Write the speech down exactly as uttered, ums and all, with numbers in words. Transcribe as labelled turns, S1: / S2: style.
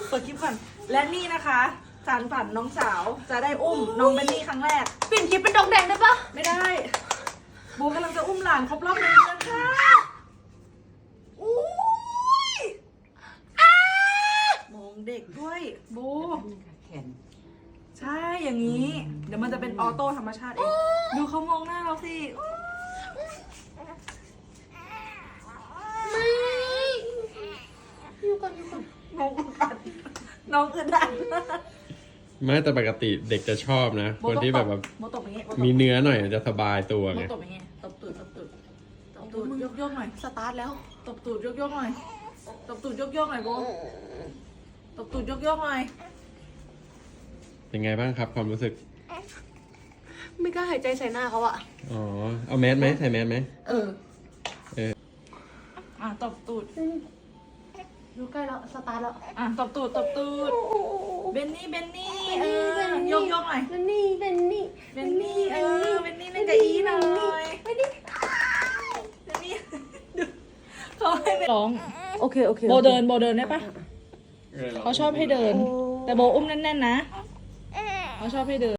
S1: เปิดคลิปก่อนและนี่นะคะสารฝันน้องสาวจะได้อุ้มน้องเบนนี่ครั้งแรก
S2: เปลี่ยนคลิปเป็นดองแดงได้ปะ
S1: ไม่ได้บูกำลังจะอุ้มหลานครบรอบหนึ่งเดือนค่ะอุ้ยมองเด็กด้วยบูใช่อย่างนี้เดี๋ยวมันจะเป็นออโต้ธรรมชาติเองดูเขามองหน้าเราสิ
S2: ไม่อยู่ก่อนอยู่ก่อน
S1: น้องอึดอัดน้องอึดอัด
S3: ไม่แต่ปกติเด็กจะชอบนะ คนที่แบบว่า
S1: โมตบอย่างงี้
S3: มีเนื้อหน่อยจะสบายตัว
S1: โม
S3: ไง
S1: ตบอย่างงี้ตบตูดตบตูดตบตูดยกยกหน่อย
S2: สตาร์ทแล้ว
S1: ตบตูดยกยกหน่อยตบตูดยกยกหน่อยโบตบตูดยกยกหน่อย
S3: เป็นไงบ้างครับความรู้สึก
S2: ไม่กล้าหายใจใส่หน้าเขาอะ
S3: อ๋อ เอาแมสไหมใส่แมสไหม
S1: เออ
S3: เออ
S1: อ่ะตบตูด
S2: ดูใกล้แล้วสตาร์ทแล้ว
S1: อ่ะตบตูดตบตูดเบนนี่เบนนี่เออยกยกหน่อย
S2: เบนนี่เบนนี่
S1: เบนนี่เออเบนนี่เล่นกับอีหน่อยเบนนี่เบนนี่ดูเขาให้ไปร้อง
S2: โอเคโอเค
S1: โบเดินโบเดินได้ปะเขาชอบให้เดิน แต่โบอุ้มแน่นๆนะเขาชอบให้เดิน